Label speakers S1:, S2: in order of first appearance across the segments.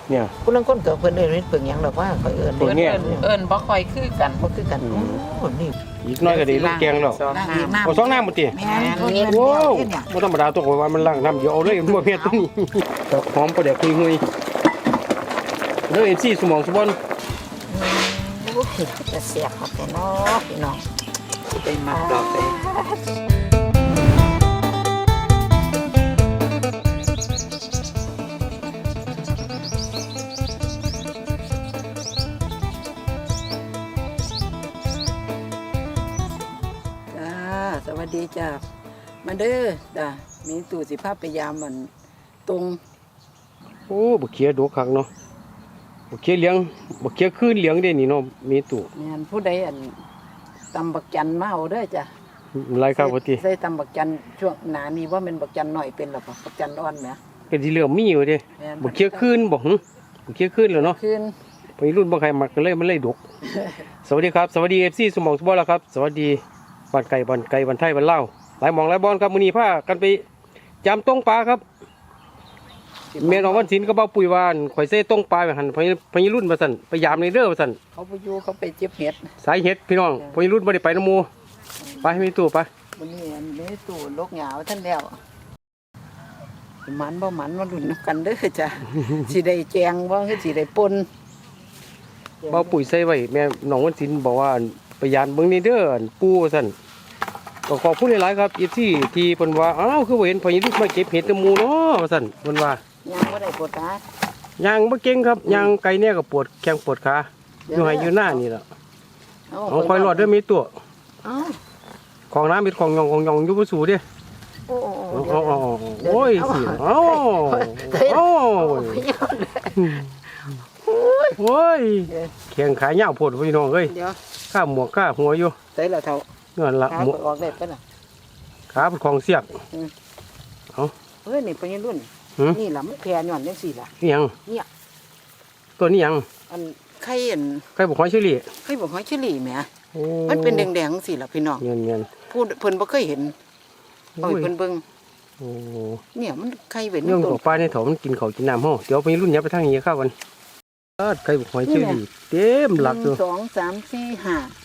S1: เนี่ย
S2: ผู้ลังคนเกิดเพิ่นเอิ้นเพิ่งหยังดอกว่าข่อยเอิ้น
S1: เพิ่งเนี่ย
S3: เอิ้นบ่ค่อยคือกัน
S2: บ่คือกันโอ้นี่
S1: อีกน้อยก็ได้ลูกแกงแล้ว
S3: สองน้ำ
S1: เอาสองน้ำหมดติ
S2: แม่นเพิ่นเอิ้น
S1: โอ้
S2: แล้วเนี่ย
S1: บ่ธรรมดาตัวข่อยว่ามันล้างน้ำเดียวเอาเลยบ่เผ็ดตัวนี้หอมประเดี๋ยวคุยเด้อเอ็นซี่สมองสบอน
S2: โอ้ยจะเสียบครับเนาะพี่น้อง
S3: เป็นมักดอกเลย
S4: จ้าสวัสดีจ้ามาเด้อจ้ามีตู่สิภาพพยายามมันตรง
S1: โอ้บักเขียดกคักเนาะบักเขียเลี้ยงบักเขียคืนเลี้ยงได้นี่เนาะมีตู้
S4: งานผู้ใดอันตำบักจันมาเอาเด้อจ้า
S1: หลายครับว่าติ
S4: ใส่ตำบักจันช่วงหนานี้ว่ามันบักจันหน่อยเป็นหรอปะบักจันอ่อนไหม
S1: ก็สิเหลือมีอยู่เด้
S4: แม่น
S1: บักเขียคืนบ่หึบักเขียคืนแล้วเนาะ
S4: ขึ้น
S1: ไปรุ่นบ่ใครมักกันเลยมันเลยดก สวัสดีครับสวัสดี FC สมองสบอนแล้วครับสวัสดีบ้านไก่บ้านไทยบ้านลาวหลายหมองหลายบอนครับมื้อนี้พากันไปจำต้งปลาครับแม่น้องวันศิลป์ก็เบ้าปุ๋ยวานข่อยเซ่ต้งปลาไปหั่นพญรุ่นว่าซั่นไปยามในเด้อว่าซั่น
S4: เขาไปอยู่เขาไปเจ็บเห็ด
S1: สายเฮ็ดพี่น้องพญรุ่นบ่ได้ไปนำหมู่ไปให้มีตู้ไป
S4: วันนี้อันนี้ตู่ลกเหงาท่านแล้วมันบ่มันมาดุนกันเด้อจ้า สิได้แจงบ่คือสิได้ปน
S1: เบ้าปุ๋ยใส่ไว้แม่น้องวันศิลป์บอกว่าไปยามเบิ่งในเด้อปู่ว่าซั่นก็ขอบคุณหลายๆครับ FC ที่เพิ่นว่าอ้าวคือบ่เห็นพญรุ่นมาเก็บเห็ดนำหมู่เนาะว่าซั่นเพิ่นว่า
S4: ยังบ่ได้ปวดขาย
S1: างบ่เก่งครับยางไกลเนี่ยก็ปวดแข้งปวดขาอยู่ให้อยู่หน้านี่ล่ะเอาคอยรอดเด้อมีตัว
S4: เอ้า
S1: ของน้ำมีของยองอยู่บ่สู่เด้
S4: โอ้
S1: โอ้ยสิโอ้โอ้โอ้ยแข้งขายาวโพดพี่น้องเอ้ย
S4: เดี๋ยว
S1: ข้าหมวกข้าหัวอยู่
S4: ใส่ละเท่า
S1: นั่นล่ะ
S4: ขา
S1: หมวก
S4: เปิดออกได้ปะน่ะ
S1: ขาเป็นของเสียก
S4: เฮ้ยนี่เป็นยังรุ่น
S1: หือ
S4: นี่ล่ะมันแพร่ย้อนจังซี่ล่ะ
S1: นี่หยัง
S4: เนี่ย
S1: ตัวนี้หยัง
S4: อันไข่อัน
S1: ใครบอกหอยเชอรี่
S4: ไข่บอกหอยเชอรี่แหม
S1: โอ้
S4: มันเป็นแดงๆจังซี่ล่ะพี่น้อง
S1: เงี้ย
S4: ผู้เพิ่นบ่เคยเห็นเอาให้เพิ่นเบิ่ง
S1: โอ้
S4: เนี่ยมันไข่เป็น
S1: เรื่อง
S4: ต้
S1: ข
S4: น
S1: องปลาในถมมันกินข้าวกินน้ำห้อเดี๋ยวไปรุ่นยับไปทางนี้เข้ากันใครบอกหอยเชอรี่เต็มหลักอยู่
S4: 1 2 3 4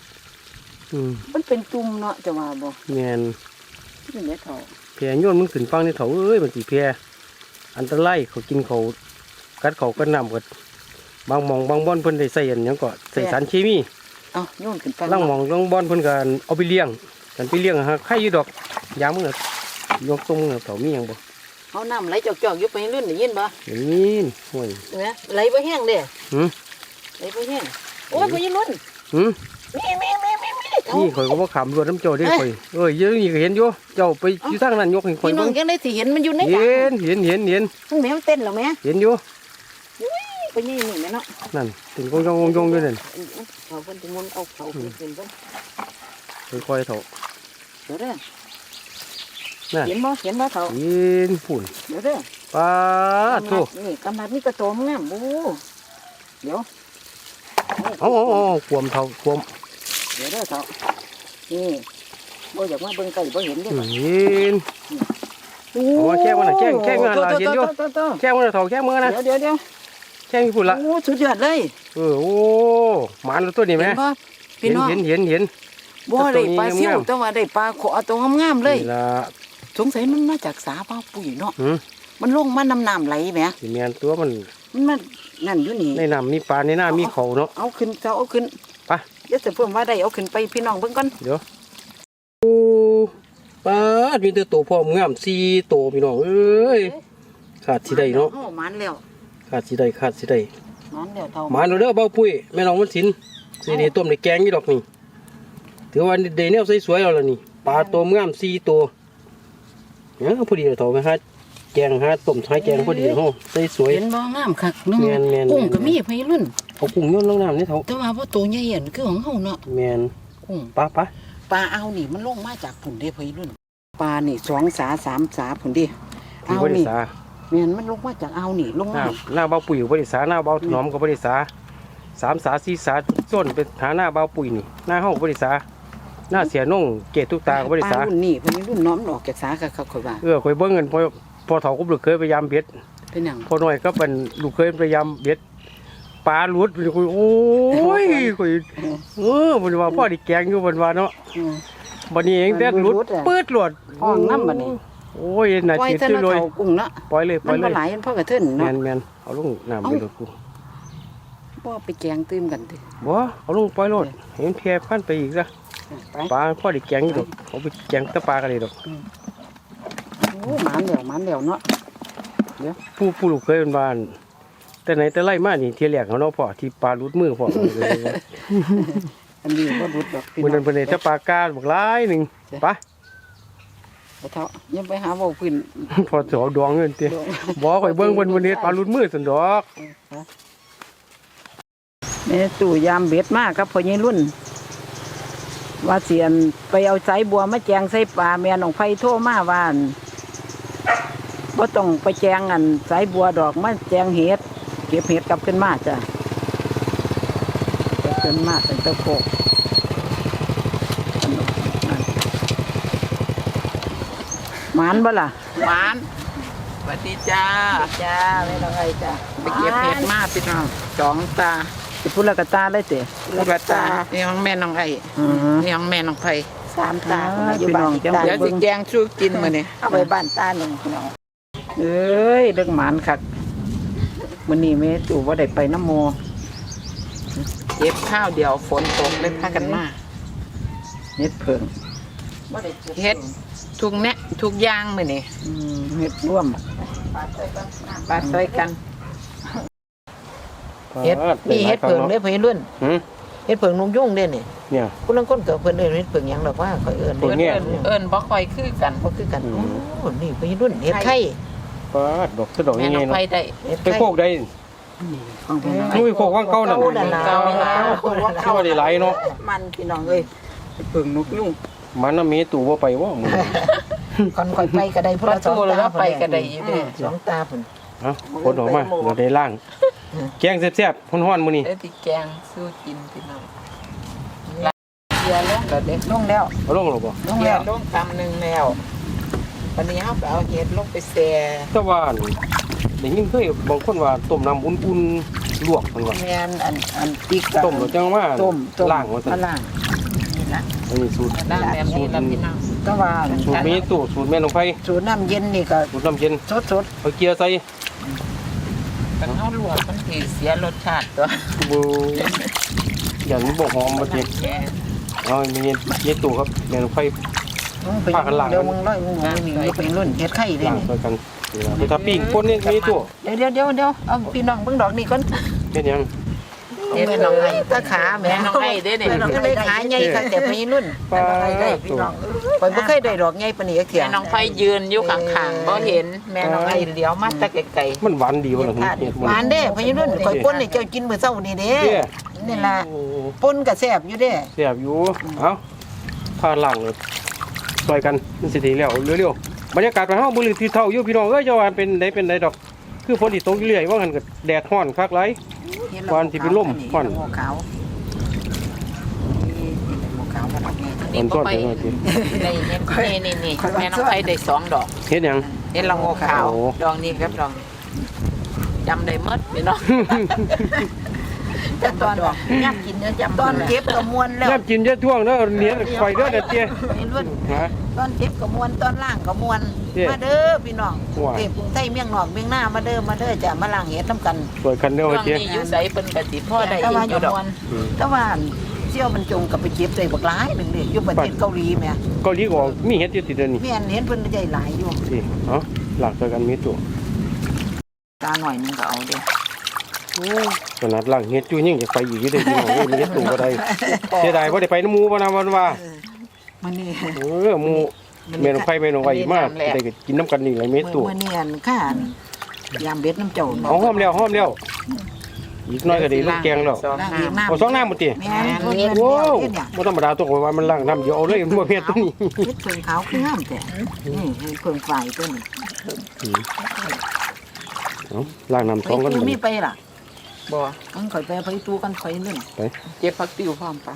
S4: 5มันเป็นตุ่มเนาะจะว่าบ่
S1: แม่น
S4: เป็นแม่เฒ่า
S1: แพรโยนมึงขึ้นฟังในเขาเอ้ยมันสิแพรอันตรายเขากินเขากัดเขากันน้ำกัดบางหมองบางบ่อนเพิ่นได้ใส่อันหยังก็ใส่สารเคมี
S4: เอ้าโยนขึ้นไป
S1: ล่างหมองล่างบ่อนเพิ่นก็เอาไปเลี้ยงกันไปเลี้ยงหาไข่อยู่ดอกยามมึงอะยกตรงมึงอะเขามีหยังบ่
S4: เอาน้ำไหลจอกๆอยู่ไปรุ่นได้ยินบ่
S1: อย่างนี้ห่วย
S4: เห็นไหมไหลบ่แห้งเด้
S1: หืม
S4: ไหลบ่แห้งโอ้ยบ่ยินรุ่น
S1: หืม
S4: มีเฒ่า
S1: นี่ข่อยก็บ่ขำรวดน้ำเจ้าเด้ข่อยเอ้ยเดี๋ยอะนี่ก็เห็นอยู่เจ้าไปอยู่ทางนั้นยกให้ข่อย
S4: พี่น้อ
S1: เบิ่
S4: ง
S1: ง
S4: จังได๋สิเห็นมันอยู่ในกลาง
S1: เห็น
S4: มันแม่มันเต้นแล้วแม่
S1: เห็นอยู่
S4: ไปนี่นี่แม่เนาะ
S1: นั่นถึงกงยองอยู่นั่น
S4: เขาเพิ่นสิมุนเอาเขาขึ้นเพิ่น
S1: ค่อยๆเถาะ
S4: เดี๋ยวเด้อ
S1: นั่น
S4: เห็นบ่เฒ่า
S1: เห็นฝุ่น
S4: เดี๋ยวเด้อ
S1: ปาโถ
S4: นี่กำลังนี่กระโตมงามโอ้เดี๋ยว
S1: เอาขวมเถาขวม
S4: เดี๋ยวเด้อเฒ่านี่บ่อยากมาเบิ่งไก่บ่เห็นเด้อ
S1: เห็น
S4: โอ้
S1: เอาแค่มันน่ะแค่งานล่ะเห็นอยู่ แค่มือเถาแค่มือนะ
S4: เดี๋ยว
S1: แค่ฝุ่นละ
S4: โอ้สุดยอดเลย
S1: โอ้หมาตัวนี้ไหม
S4: เห็นบ่พี่น้อง
S1: เห็น
S4: บ่ได้ปลาซิว
S1: งามๆ
S4: แต่ว่าได้ปลาขอตัวงามๆเลย
S1: นี่ละ
S4: สงสัยมันมาจากสาเป้าปุ๋ยเนาะ
S1: หืม
S4: มันลงมาน้ำไหลแหม
S1: สิแมนตัวมัน
S4: มันมานั่นอยู่นี่
S1: ในน้ำมีปลาในหน้ามีเขาเนาะ
S4: เอาขึ้นเอาขึ้น
S1: ไป
S4: เดี๋ยวจะเพิ่มว่าได้เอาขึ้นไปพี่น้องเบิ่งก่อน
S1: เดี๋ยวโอ้ปลามีแต่ตัวพร้อมงาม4ตัวพี่น้องเอ้ยขาดสิได้เนาะ
S4: โอ้มันแล้ว
S1: ขาดสิได้
S4: มันแล้วเท่า
S1: หมาเราเด้อเบาปุ้ยแม่น้องมันสินสิได้ต้มได้แกงนี่ดอกนี่ถือว่าได้แนวสวยๆแล้วล่ะนี่ปลาตัวงาม4ตัวเนี่ยพอดีเลยเถาไปหาแกงหาต้มหาแกงพอดีเฮาสวย
S4: เห็นบ่งามคักนึง
S1: แม่นๆ
S4: กุ้งก็มีพี่รุ่น
S1: เอากุ้งโยนลงน้ำนี่เถา
S4: แต่ว่าบ่ตัวใหญ่อันคือของเฮาเนาะ
S1: แมน
S4: กุ้ง
S1: ปะ
S4: ปลาเอานี่มันลงมาจากผุ่นเด้พี่รุ่นปลานี่2 สา 3 สาผุ่นเด้
S1: ที่
S4: เอา
S1: บริ
S4: นี่
S1: ษา
S4: แม่นมันลงมาจากเอานี่ลง
S1: หน้า
S4: มา
S1: หน้าเบาปุ๋ยบริษาหน้าเบาถนอมกับบริษา3 สา 4 สาส้นเป็นหาหน้าเบาปุ๋ยนี่หน้าห้องบริษาหน้าเสียนุ่งเกตทุกตากับบริ
S4: ป
S1: ษา
S4: ลารุ่นนี่พี่รุ่นน้อมออกจากสาคักๆค่อยว่า
S1: ข่อยเบิ้งเงินพอเถากุบลึกเคยพยายามเบ็ด
S4: เป็นหยัง
S1: พอหน่อยก็เป็นลูกเคยพยายามเบ็ดปลาหลุดคุยโอ้ยคุยมันว่าพ่อดิแกงอยู่มันว่าเนาะ
S4: อืม
S1: บัดนี้เองเบ็ดหลุด
S4: มันหลุดอะ
S1: ปืดหลุด
S4: ห้องน้ำบัดนี้
S1: โอ้ยน่า
S4: ปล่อย
S1: จิต
S4: เท่า
S1: ซื้อ
S4: นั้น
S1: เลย
S4: เขากุ้งเนาะ
S1: ปล่อยเลยป
S4: มั
S1: ล่อน ยเล
S4: บ่
S1: ย
S4: หลายมันพอกระเทิน
S1: แม
S4: เนาะ
S1: นแมนเอาลงน้ำไปหลุดกู
S4: บ่ไปแกงตื้มกันติ
S1: บ่เอาลงปล่อยโลดเห็นแพร่พันไปอีกซะ
S4: ไป
S1: ปลาพ่อดิแกงอยู่ดอกเอาไปแกงแตะปลากันเลยดอก
S4: โอ้หมานเดี๋ยวเนาะ
S1: ผู้ลูกเคยเป็นบ้าน แต่ไหนแต่ไรมานี่เที่ยแรกเขาเนาะพ่อที่ปลาหลุดมือพ่อ
S4: อันนี้บ่รุดดอกพี่
S1: มื้อ
S4: น้
S1: นั้
S4: อน ง
S1: เพิ่นได้แต่ปลากาบักหลายหนึงไป
S4: ไปเถาะอยังไปหาเว้าพื้น
S1: พอสิเอาดวงเงินติบ่ข่อยเบิ่งเพิ่นวันนี้ปลาหลุดมือซั่นดอก
S4: แม่ตู่ยามเบ็ดมากครับพ่อใหญ่รุ่น ว่าเสียนไปเอาสายบัวมาแจงใส่ปลาแม่น้องไผโทรมาว่าอั่นบ่ต้องไปแจงอันสายบัวดอกมาแจงเห็ดเก็บเห็ดกลับขึ้นมาจ้ะกลับขึ้นมาเป็นตะโคกหมานบ่ล่ะ
S3: หวานสวัสดีจ้า
S4: จ้าไม่ต้องไงจ้ะ
S3: ไปเก็บเห็ดมาพี่น้องสองตา
S4: สิพุละกะตาเลยเตะ
S3: ลูกตานี่ของแม่น้องไอ้
S4: อือ
S3: นี่ของแม่น้องไผ่
S2: สามตา
S4: พี่น้องจัง
S3: เดี๋ยวสิแกงสู้กินมื้อนี้
S2: เอาไปบ้านตาหนึ่งพี่น้อง
S4: เอ้ยเรื่องหมานคักมื้อนี้แม่ตู่บ่ได้ไปน้ำโม
S3: เก็บข้าวเดียวฝนตกเลยพากันมา
S4: เฮ็ดเพิง
S3: เฮ็ดทุกแนะทุกอย่างมื้อนี้
S4: เฮ็ดร่วม
S3: ปาใส่กัน
S4: เฮ็ดนี่เฮ็ดเพิงเด้อเพิ่นรุ่น
S1: หือ
S4: เฮ็ดเพิงนุ่งยุ่งเด้นี่
S1: เนี่ย
S4: ผู้ลางคนก็เพิ่นเอิ้นเฮ็ดเพิงหยังดอกว่าข่อยเอิ้น
S1: เพิ่งแง่
S3: เอิ้นบ่ค่อยคือกัน
S4: บ่คือกันโอ้นี่เพิ่นรุ่นเฮ็ดไข่
S1: ปลาดอกสะดอก
S3: แม่
S1: ยัง
S3: น้
S1: ไง
S3: อง
S1: เนาะ
S3: ไผ่ได้
S4: เฮ็ด
S1: ไป
S4: ไข่
S1: โคกได้
S4: ของเพิ่น
S1: นุ้ยโคกว่างเก่านั่น
S3: เก่าล่ะ
S1: เข้าได้หลายเนาะ
S2: มันพี่น้องเอ้ย
S4: เฮ็ดเพิงนกยุ่ง
S1: มันน่ะมีตู่บ่ไปว่ามื้อ
S2: ก่อนค่อยไปก็ได้
S3: พระโตแล้วไปก็ได้อยู่เด้
S4: สองตาพุ่น
S1: เอ้าคนออกมาเราได้ล่าง แกงแซ่บๆฮ้อนๆมื้อนี้
S3: ได้ที่แกงสู้กินพี่น้องเสียลงแล้วเด็ก
S4: ลงแล้ว
S1: เอาลงหรอบ่
S4: ลง
S3: เสีย
S4: แล้ว
S3: ลงคำหนึงแล้ววันนี้เฮาไปเอาเห็ดลงไปแซ่
S1: แต่ว่าได้ยินเคยบางคนว่าต้มน้ำอุ่นๆลวกมันว่า
S4: แม่นอันติ๊ก
S1: ต้มแล้วจังว่า
S4: ต้ม
S1: ล้างว่าซั่
S4: มาน ล้างนี่ล่ะ
S1: อันนี้สูตร
S3: ด้านแบบนี้แล้วพี่น้อง
S4: ก็ว่า
S1: สูตรมีตู่สูตรแม่น้องไผ
S4: สูตรน้ำเย็นนี่ก็
S1: สูตรน้ำเย็น
S4: สด
S1: เอาเกียร์ใส่
S3: กันเฮาลวกมันสิเสียรสชาติตัว
S1: บูอย่างนี้บ่หอมบ่ติ
S3: แกง
S1: เอามีเย็ดตู่ครับแม่น้องไผ
S4: ๆมึงไป
S1: พากันล้าง
S4: เดี๋ยวมึงร้อยมึงนี่มึงเป็นรุ่นเฮ็ดไข่เด้
S1: ล้าง
S4: นี่
S1: ใส่กันไปทับปิ้งคนนี่มีตู่
S4: เดี๋ยวเอาพี่น้องเบิ่งดอกนี่ก่อน
S1: เป็นหยัง
S3: เห็ดน้องไอ้
S4: ตาขาแม่
S3: แม่น้องไอ้เด้นี่
S4: ก็เลยขาใหญ่ค่ะแต่พี่รุ่น
S1: ปลา
S2: พี่น้อง
S4: ข่อยบ่เคยได้ดอกใหญ่ปานนี้จักเที่ย
S3: แม่น้องไฟยืนอยู่ข้างๆบ่เห็นแม่น้องไอ้เลี้ยวมาแต่ไกล
S1: มันหวานดีบ่ล่ะเฮ็ด
S4: หวานเด้พี่รุ่นข่อยป่นให้เจ้ากินมื้อเช้านี่เด้
S1: เด้
S4: นี่ล่ะป่นก็แซ่บอยู่เด้
S1: แซ่บอยู่เอ้าพาล้างเลยซอยกันมันสิได้แล้วเร็วๆบรรยากาศบ้านเฮาบ่ลือที่เท่าอยู่พี่น้องเอ้ยเจ้าว่าเป็นไดดอก คือฝนสิตกอยู่เรื่อยว่างั้นก็แดดร้อนคักหลาย วันที่เป็นลมควัน
S4: หมูขาวหมูขาวมันนี่
S3: ๆนี่บ่ไปได้เห็นนี่แม่น้องไฟได้2ดอก
S1: เฮ็ดหยัง
S3: เห็นละโงขาว
S1: โอ้
S3: ดอกนี้ครับดอกจำได้หมดพี่น้อง
S2: แต่ตอนย่ำกินเนื้อจำตอนเก็บก็มวนแล้ว
S1: ย่ำกินจะท่วงเด้อเหนียวไฟเด้อเด้อเตี้ย
S2: พี่รุ่น
S1: ฮะ
S2: ตอนเก็บก็มวนตอนล่างก็มวน
S1: เด้
S2: มาเด้อพี่น้อง
S1: ว้าย
S2: เก็บกรุงไทยเมียงนอกเมียงหน้ามาเด้อจะมาล้างเห็ดน้ำกัน
S1: สวยคันเด้อ
S3: ช่วง
S1: เตี้ย
S3: นี้อยู่ไสเพิ่นก็สิพ่อได้
S2: แต่
S3: อี
S2: ว่าก
S3: อยู่ดอก
S2: มวนแต่ว่าเสี่ยวมันจงกับไปเก็บใจบักหลายหนึ่งเด้อยู่ประเทศเกาหลีแม่
S1: เกาหลีก็มีเฮ็ดอยู่ติดเด้อนี่
S2: แม่นเห็นเพิ่นใจหลายอยู่
S1: สิเอ้าหลักซอยกันมีตัว
S3: ตาหน่อยนึงก็เอาเด้
S1: โอ้ขนาดหลังเฮ็ดอยู่ยังจะไปอีกอยู่เด้อพี่น้องเอ้ยมีเฮ็ดตู่บ่ได้เสียดายบ่ได้ไปน้ำหมู่บ่นะวันว่า
S2: มันนี่
S1: หมู่แม่นองไผแม่นองไว้มาได้ก็กินน้ำกันนี่แหละมีตู่
S2: มื้อนี้อันข้านยามเบ็ดน้ำเจ้า
S1: เอาหอมแล้วอีกหน้อยก็ได้ลูกแกงแล้ว
S3: สอง
S2: ล้าง
S3: น้
S2: เห็ดน้ำ
S1: เอาสองน้ำหมดติ
S2: แม่นเพิ่นเฮ็ด
S1: โว้
S2: แล้วเฮ็ดเนี่ย
S1: บ่ธรรมดาตัวว่ามันล้างน้ำเดี๋ยวเอาเลยมันบ่เฮ็ดตัวนี้
S2: เฮ็ดเพิ่งขาวคืองามแต่นี่ให้เพิ่งฝ่ายตัวนี้
S1: เอาล้างน้ำ
S2: ไป
S1: สองกัน
S2: ตู
S1: บัด
S2: มี
S1: นี้
S2: ไปล่ะ
S3: ำบ่
S2: มันข่อยไปไปตูกันข่อยเล่น
S3: เจ็บผักติ้วพร้อมปะ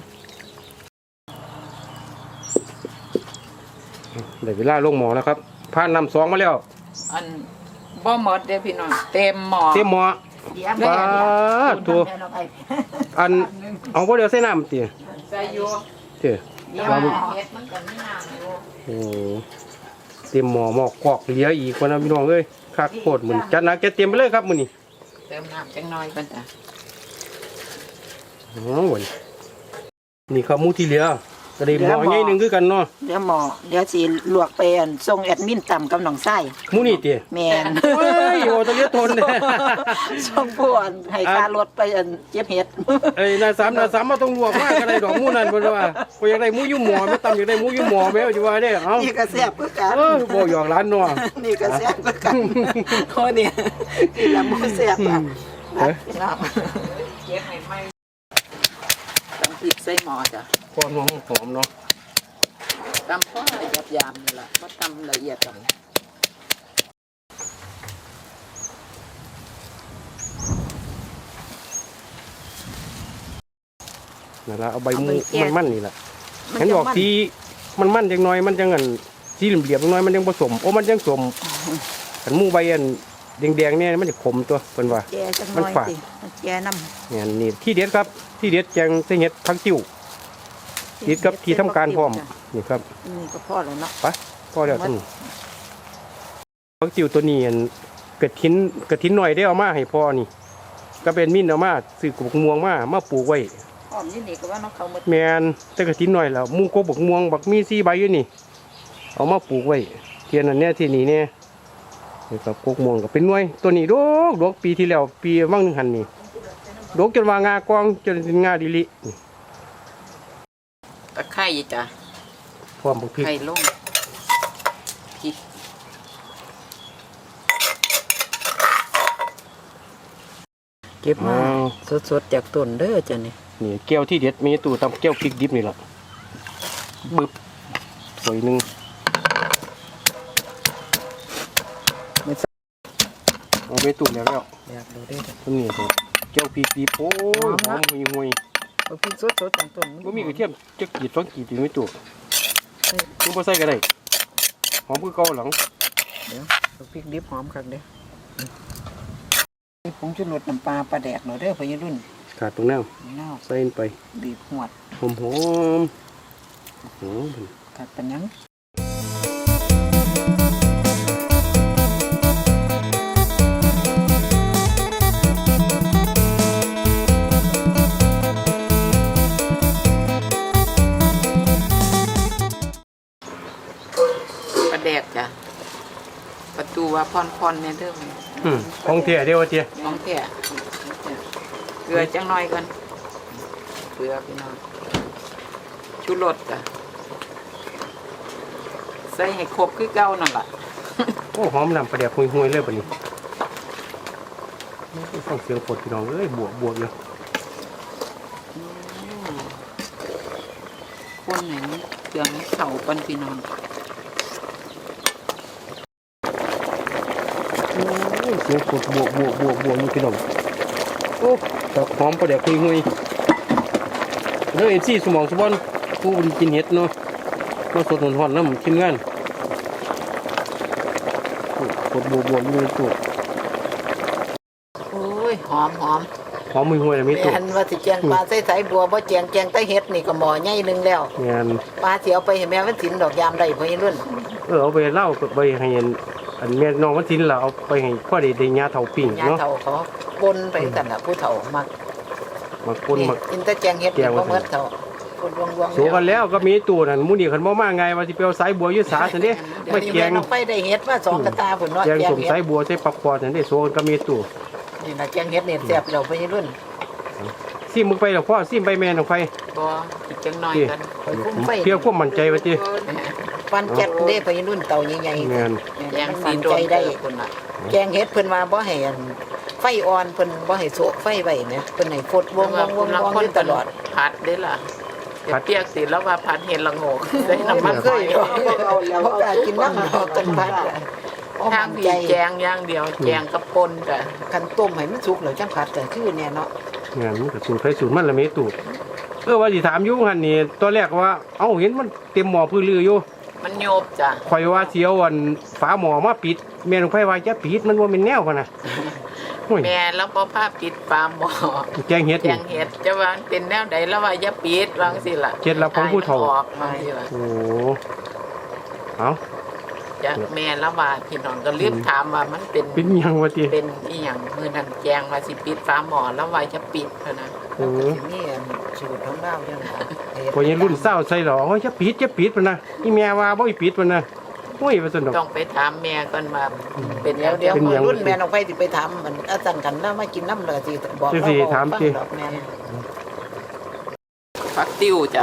S1: ได้เวลาลงหมอแล้วครับผ่านน้ำสองมาแล้ว
S3: อันบ่หมดเด้อพี่น้องเต็มหม้อ
S1: เต็มหม้อ
S2: เดี๋ยว
S1: ปลาตัว
S2: แม่น้องไอ้
S1: อันเอาบ่เดี๋ยวใส่น้ำติ
S3: ใส่อยู่
S1: เด้อ
S3: เดี๋ยวเฮ็ดมันก็มีน้ำอยู่
S1: โอ้เต็มหม้อหม้อกอกเหลืออีกคนนะพี่น้องเอ้ยคักโคตรมื้อนี้จัดหนักจัดเต็มไปเลยครับมื้อนี้
S3: เติมน้ำจังน้อยก่อนจ้ะ
S1: อ๋อวันนี่ครับหมูที่เหลือก็ได้หม้อใหญ่หนึงคือกันเนาะ
S2: เดี๋ยวหมอเดี๋ยวสิลวกไปอันส่งแอดมินต่ำกับน้องไส้
S1: หมูนี่ติ
S2: แม่น
S1: เฮ้ยโอ้ตะเลียทนเนี่ย
S2: ส่งผู้อันให้ค่ารถไปอันเจ็บเห็ด
S1: เอ้ยนาสามมาต้องลวกมากก็ได้ดอกหมูนั่นเพิ่นว่าบ่อยากได้หมูอยู่หม้อไม่ตำอยากได้หมูอยู่หม้อแม่ว่าสิว่าเด้เอ้า
S2: นี่ก็แซ่บคือกัน
S1: บ่หยอกหลานเนาะ
S2: นี่ก็แซ่บคือกันโอ้เนี่ยนี่ละหมูแซ่บอ่ะ
S1: เอ้ย
S2: พี่น้อง
S3: เก็บให้ไหมตำพริกใส่หม้อจ้ะ
S1: ความหอมเนาะ
S3: ตำพอหยาบๆนี่ล่ะบ่ตำละเอียดกัน
S1: นั่นล่ะเอาใบหมูมันๆนี่ล่ะเห็นบอกสีมันจังน้อยมันจังอันสีเหลี่ยมๆจังน้อยมันยังผสมโอ้มันจังสมอันหมูใบอันแดงๆเนี่ยมันจะขมตัวเพิ่นว่า
S2: แกจังน้อยสิแกน้ำ
S1: เนี่ยนี่ที่เด็ดครับที่เด็ดแจงใส่เห็ดผักติ้วติดกับที่ทำการพร้อมนี่ครับ
S2: นี่ก็พอแล้วเนาะ
S1: ไปพอแล้วท่านผักติ้วตัวนี้อันกระถินหน่อยได้เอามาให้พ่อนี่ก็เป็นมิ้นเอามาซื้อกบกม่วงมาปลูกไว้
S2: หอมนี่ก็ว่าน้องเขาหมด
S1: แมนแต่กระถินหน่อยแล้วหมูกบกม่วงบักมี4ใบอยู่นี่เอามาปลูกไว้เทียนอันเนี้ยที่นี่เนี่ยนี่ครับกบม่วงก็เป็นหน่วยตัวนี้ดกปีที่แล้วปีว่างหนึงหันนี่ดกจนว่างากองจนเป็นงาดิลินี่
S3: ตะไคร้จ้ะ
S1: พร้อมบักพริก
S3: ไข่ลงพริก
S4: เก็บมาสดๆจากต้นเด้อจ้ะนี่
S1: นี่แก้วที่เด็ดมีตู้ตำแก้วพริกดิบนี่แหละบึบสวยหนึ่ง
S4: ไม่ใส่
S1: เอาไปตู้แล้ว
S4: อยากดูได้จ้ะ
S1: ต้นนี้ตัวแก้วพริกดิบโอ้ยหอมห่วย
S4: เอาพริกสดๆจากต้น
S1: ๆบ่มีกระเทียมจะกรีด2 กรีดอยู่ในตู้คุณบ่ใส่ก็ได้หอมคือเก่าหลัง
S4: เดี๋ยวเอาพริกดิบหอมคักเด้อผงชูรสน้ำปลาปลาแดกเนาะเด้อพ่อใหญ่รุ่น
S1: ขาดตรงแนว
S4: เน่า
S1: ใส่ไป
S4: บีบหวด
S1: หอม
S4: กัดปัญญัง
S3: ปลาแดกจ้ะประตูว่าพรๆเนี่ยเด้อ
S1: ของเที่ยเดียวเจีย
S3: ของแท้เกลือจังน้อยก่อนเกลือพี่น้องชูรสจ้ะใส่ให้ครบคือเก่านั่นล่ะ
S1: โอ้หอมนำประเดี๋ยวห่วยๆเลยบัดนี้ฟังเสียงฝนพี่น้องเอ้ยบวกอยู่
S3: คนไหนเครื่องเข่าปันพี่น้อง
S1: เสียงฝนบวกอยู่พี่น้องโอ้แต่หอมประเดี๋ยวห่วยๆแล้วMCสมองสบอนผู้บริกินเห็ดเนาะมาสดหอนๆน้ำทีมงานฝนบวกอยู่ในตู้
S3: โอ้ยหอม
S1: หอมห่วยๆเลยมีตู้
S2: แม่นว่าสิแจงปลาใส่สายบัวบ่แจงแตะเฮ็ดนี่ก็หม้อใหญ่นึงแล้ว
S1: งาน
S2: ปลาสิเอาไปให้แม่มันสินดอกยามได้พ่อใหญ่รุ่น
S1: เอาไปเล่าไปให้อันแม่น้องมันสินละเอาไปให้พ่อได้ญาเฒ่าปิ้ง
S2: ญา
S1: เนาะ
S2: เฒ่าเขาปนไปกันน่ะผู้เฒ่ามัก
S1: มาคนมา
S2: กินแต่แจงเฮ็ดนี่บ่เหมือนเฒ่าคนรวงๆ
S1: สู้กันแล้วก็มีตู้นั่นหมูนี่คันบ่มาไงว่าสิไปเอาสายบัวอยู่สาซั่นเด้
S2: เดี๋ยว
S1: มา
S2: นี้
S1: แก
S2: แม่
S1: ง
S2: น้องไปได้เฮ็ดมาสองกระตาพุ่นเนาะ
S1: แกง
S2: แจง
S1: สม
S2: เฮ็
S1: สาย
S2: ด
S1: บัวใส่ปักคอซั่นเด้สู้กันก็มีตู้
S2: นี่น่ะแจงเฮ็ดนี่แซ่บแล้วพ่อใหญ่รุ่น
S1: ซิมมึงไปแล้วพ่อซิมไปแม่น้องไฟ
S3: บ่อีกจังน้อยกัน
S2: ข่อยคุ้มไฟ
S1: เพียงความมั่นใจว่าติ
S2: ปันแจ็ดเด้พ่อใหญ่รุ่นเต่าใหญ่
S1: แม่น
S3: แยงสีโดนได้คนน่ะ
S2: ๆแจงเฮ็ดเพิ่นว่าบ่ให้อันไฟอ่อนเพิ่นบ่ให้โซะไฟไว้แหมเพิ่นให้ฟดวงๆๆๆอยู่ตลอด
S3: ผัดได้ล่ะเปียกสิแล้วว่าผัดเห็ดละโงกใส่น้ำมัน
S2: เคยดอกเอาแล้วก็กินน้ำดอกกันพัด
S3: ทางผีแจงอย่างเดียวแจงกับปนจ้ะ
S2: คันต้มให้มันสุกแล้วจังผัดแต่คือเนี่ยเนาะ
S1: งานมันก็สูตรไฟสูตรมันละมีตู้ว่าสิถามอยู่หั่นนี่ตอนแรกว่าเอ้าเห็นมันเต็มหม้อพื้นลืออยู่
S3: มันโยบจ้ะ
S1: ข่อยว่าเสียวอันฝาหม้อมาปิดแม่นของไผว่าจะปิดมันบ่เป็นแนวพะนะโอ้ย
S3: แม่แล้วพอผ้าปิดปามบ่
S1: แกงเฮ็ด
S3: แก
S1: นี่
S3: งเห็ดจะว่ามันเป็นแนวใดแล้วว่าอย่าปิดวางสิล่ะ
S1: เคล็ดลับของผู้เฒ่า
S3: ให้มันออกมาสิล่ะ
S1: โอ้เอา
S3: จากแม่แล้วว่าพี่น้องก็รีบถามว่ามันเป็น
S1: เป็นหยังวะติ
S3: เป็นอีหยังมื้อนั้นแกงว่าสิปิดฟ้าหม้อแล้วว่าจะปิดเท่านั้น
S1: โอ้
S2: สิมีอันสูตรของเราจังค่ะ
S1: พอยังรุ่นเศร้าใส่หรอโอ้ยจะปิดพะนะนี่แม่ว่าบ่ให้ปิดพะนะโอ้ยว่าซั่นดอก
S3: ต้องไปถามแม่ก่อนว่าเป็น
S2: เดี๋ยว
S3: เดี๋ยว
S1: เป็นหยัง
S2: รุ่นแม่น้องไฟสิไปทำมันอาจารย์กันแล้วมากินน้ำเลยสิบอก
S1: สิถามสิ
S2: ดอกแม่
S3: ฟักติ้วจ้ะ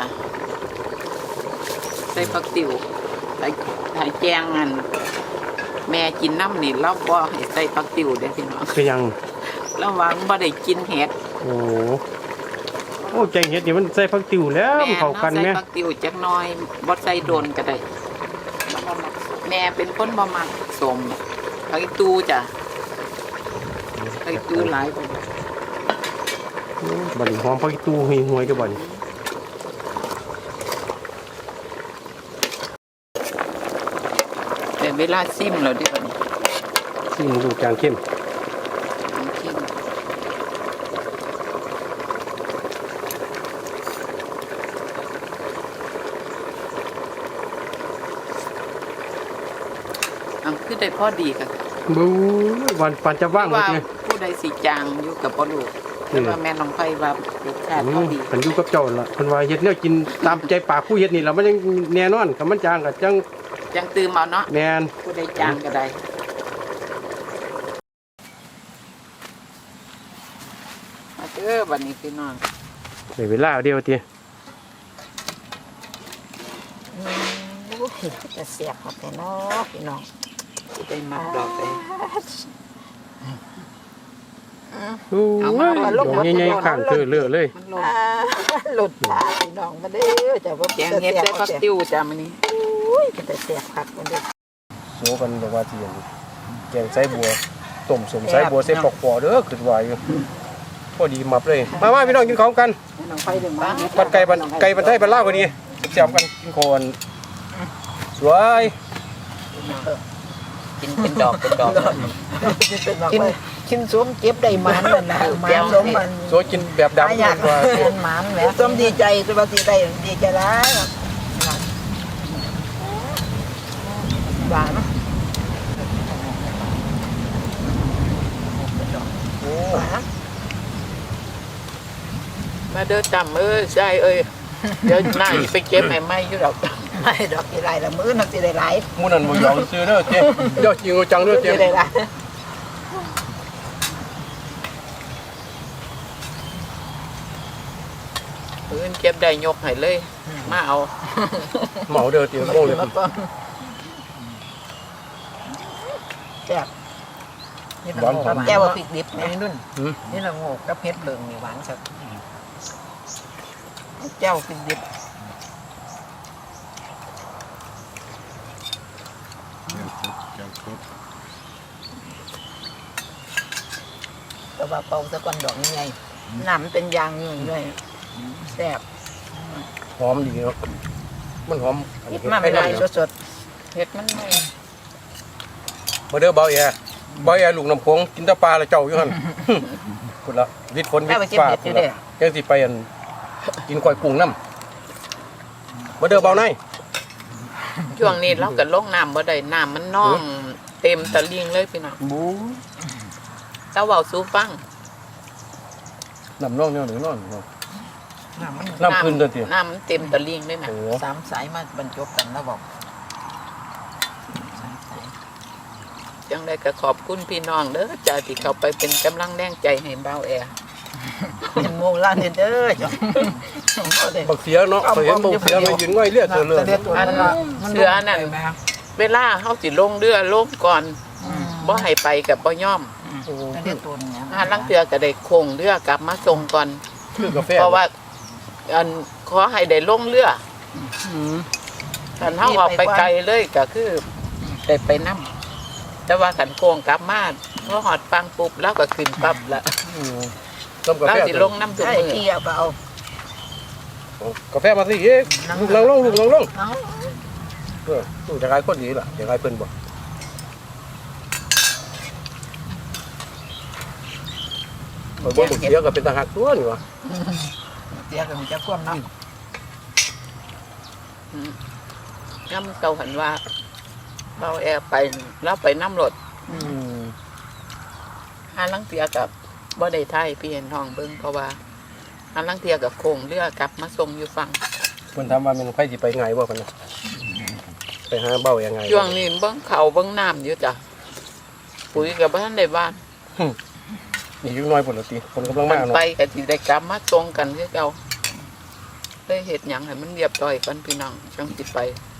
S3: ใส่ฟักติ้วให้แจงอันแม่กินน้ำนี่เราบ่ให้ใส่ฟักติ้วเด้อพี่น้อง
S1: เป็นหยัง
S3: ระวังบ่ได้กินเห็ด
S1: โอ้โอ้แกงเฮ็ดนี่มันใส่ผักติ๋วแล้วมันเข้ากัน
S3: ใส่
S1: แม่
S3: ฟักติ้วจักหน่อยบ่ใส่โดนก็ได้แม่เป็นคนบ่มักสมผักอีตูจ้ะผักอีตูหลายกว่า
S1: บัดนี้หอมผักอีตู้ห่วยๆเด้อบัดนี้
S3: แต่เวลาซิมแล้วเดิบัดนี้
S1: ซิมดูจางเข้ม
S3: ชิมอันคือได้พอดีค่ะ
S1: บู๊วันปันจะว่างหมด
S3: ว่า
S1: เลย
S3: ผู้ใดสิจางอยู่กับบ่รู้แต่ว่าแม่น้องไผว่ารสชาติพอดี
S1: มันอยู่กับเจ้าล่ะเพิ่นว่าเฮ็ดแนวกินตามใจปากผู้เฮ็ดนี่ล่ะมันยังแน่นอนคันมันจางก็จัง
S3: จังตื่มเอาเนาะ
S1: แม่น
S3: ผู้ใดจางก็ได้มาเจอบัดนี้พี่น้อง
S1: ได้เวลาเดียวติ
S2: จะเสียบหมดเลยเนาะพี่น้อง
S3: ผู้ใดมักดอกไป
S1: โอ้ยใหญ่ๆข้างเธอเลอะเลย
S3: มันลง
S2: หลุดตาพี่น้องมาเด้อจะว่า
S3: แกงเห็ดใส่ผักติ้วจ้ามื้อนี้
S2: อุ้ยจะเสียบผักมันเด้อ
S1: โซกันแบบว่าสิแกงไส้บัวต้มสมไส้บัวใส่ปอกปอเด้อขึ้นว่าอยู่พอดีมับเลยมาพี่น้องกินของกัน
S2: แม่น้องไฟดึงมา
S1: บันไก่บันไทยบันลาวก็ดีเสียบกันกินโคนสวย
S3: กินเป็นดอกเป็นดอก
S2: กินส้มเก็บได้มันนั่นนะมันส้มมัน
S1: สวยกินแบบดำ
S2: อยาก
S1: กว่า
S2: เป็นมันแหละส้มดีใจสวัสดีได้ดีใจแล้วหวาน
S1: โอ้
S2: หวาน
S3: มาเด้อจำใช่เดี๋ยวหน้าอีไปเก็บให้ไหมอยู่ดอก
S2: ไม่ดอกสิไรละมื้อนักสิได้หลาย
S1: หมูนั่นบ่ยอมซื้อเด้อเจ๊ยอดจริงเอาจังเด้อ
S2: สิ
S1: เจ๊
S2: ได้หลาย
S3: พื้นเก็บได้ยกให้เลย มาเอา
S1: เหมาเด้อเจ๊โม่เลย
S2: แซ่บนี่ละโงกแก้วพริกดิบแม่นุ่นนี่ละโงกกับเผ็ดเบิ่งนี่หวานสักแก้วพริกดิบแต่ว่าเป่าซะก่อนดอกใหญ่น้ำเป็นยางอยู่ด้วยแซ่บ
S1: หอมดีเนาะมันหอม
S2: คิดมาไม่ได้สด
S3: เห็ดมันไม่
S1: มาเด้อเบาแย่ลูกน้ำโขงกินแตะปลาละเจ้าอยู่หั่นพุ่นละวิทย์ฝน
S2: ๆ
S1: วิ
S2: แม่
S1: ท
S2: ไป
S1: ย์
S2: เก็บ
S1: ฟ้า
S2: เห็ดอยู่เด้
S1: จังสิไปอันกินก้อยกุ้งน้ำมาเด้อเบาใน
S3: ช่วงนี้เราก็ลงน้ำบ่ได้น้ำมันน่องเต็มตะลิงเลยพี่น้อง
S1: บู
S3: ตะเว้าสู้ฟัง
S1: น้ำน่องเนี่ยหรือนอน
S2: น้ำมัน
S1: น้ำขึ้นเด้อเจ๊
S3: น้ำมันเต็มตะลิงเลยนะ
S1: โอ้
S2: สามสายมาบรรจบกันแล้วบอก
S3: จังได้ก็ขอบคุณพี่น้องเด้อจ้าที่เขาไปเป็นกำลังแรงใจให้เบาแอ
S2: เป็นโมงล้านเด้อจ้ะ
S1: บักเสียเนาะไปเห็นบักเสียมายืนง่อยเลือดเธอเลย
S3: อันเสือนั่นเวลาเฮาสิลงเรือลงก่อนบ่ให้ไปกับบ่ย่อม
S2: เรียกตัวนี้
S3: หาลังเทือก็ได้โคงเรือกลับมาส่งก่อน
S1: คือกาแฟ
S3: เพราะว่าอันขอให้ได้ลงเรือคันเฮาออกไปไกลเลยก็คือได้ไปนํแต่ว่าคันโคงกลับมาพอหอดฟังปุ๊บแล้วก็ขึ้นปั๊บละ
S1: ต้มกา
S3: เรา
S1: แฟ
S3: สิลงน้ำทุก
S2: ใช่
S3: มือ
S2: ที่เอาไปเอา
S1: กาแฟมาสิเอ๊ะลูกลังลงลูกลังลงตู้จะกลายคนดีล่ะจะกลายเพิ่นบ่บ่เสียก็เป็นทหารตัวนี่วะ
S2: เสียกับมันจะคว่ำเนาะ
S3: ย่ำเก่าหันว่าเราแอบไปแล้วไปน้ำรถหาลังเทียกับบ่ได้ไทยพี่เห็นทองเบิ้งเพราะว่าหาลังเทียกับโคงเรือกลับมาส่งอยู่ฝั่ง
S1: เพิ่นถามว่ามันไผสิไปไงบ่กันนะไปหาเบ้ายังไง
S3: ช่วงนี้เบิ้งเขาเบิ้งน้ำอยู่จ้ะปุ๋ยกับบ้านในบ้าน
S1: นี่อยู่น้อยพุ่นละติคนกำลัง
S3: มั
S1: มาน เนาะ
S3: ไปกับที่ได้กลับมาตรงกันคือเก่าได้เห็ดหยังให้มันเรียบร้อยกันพี่น้องจังสิไป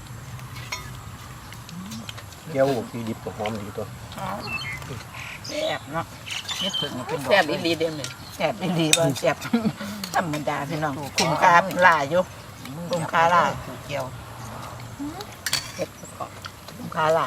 S1: เกี่ยวหูที่ดิบก็หอมดีตัว
S2: แซ่บเนาะนี่ถึงเป็น
S3: แซ่บอีหลีเด้เลย
S2: แซ่บดีบ่แซ่บธรรมดาพี่น้องคุ้มค่าหลายอยู่คุ้มค่าหลายเกี่ยว
S3: เห็ดประกอบ
S2: คุ้มค่าหลาย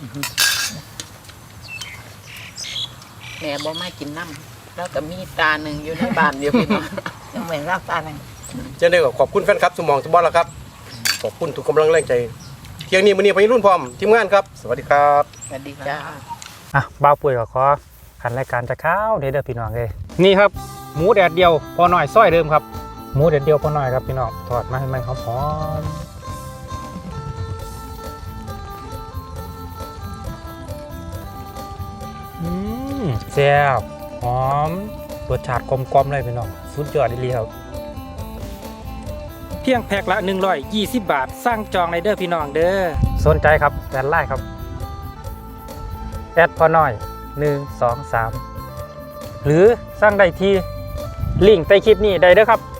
S3: แม่บ่มากินน้ำแล้วก็มีตาหนึ่งอยู่ในบ้านเดียวพี่น้อง
S2: ยังเหมือนรากตาหนึ่ง
S1: เช่นเดียวกับขอบคุณแฟนครับสมองสบอลแล้วครับขอบคุณทุกกำลังแรงใจเที่ยงนี้มื้อนี้พายุรุ่นพร้อมทีมงานครับสวัสดีครับ
S3: สวัสดีจ้า
S5: อ่ะบ้าวปุ๋ยก็ขอขันรายการจะข้าวเด้อพี่น้องเลยนี่ครับหมูแดดเดียวพอหน่อยซอยเดิมครับหมูแดดเดียวพอหน่อยครับพี่น้องทอดมาให้มันหอมแซ่บหอมรสชาติกลมๆเลยพี่น้องสุดยอดดีครับเพียงแพ็คละ120 บาทสร้างจองในเด้อพี่น้องเด้อสนใจครับแอดไลน์ครับแอดพอน้อย1 2 3หรือสร้างได้ที่ลิงก์ใต้คลิปนี้ได้เด้อครับ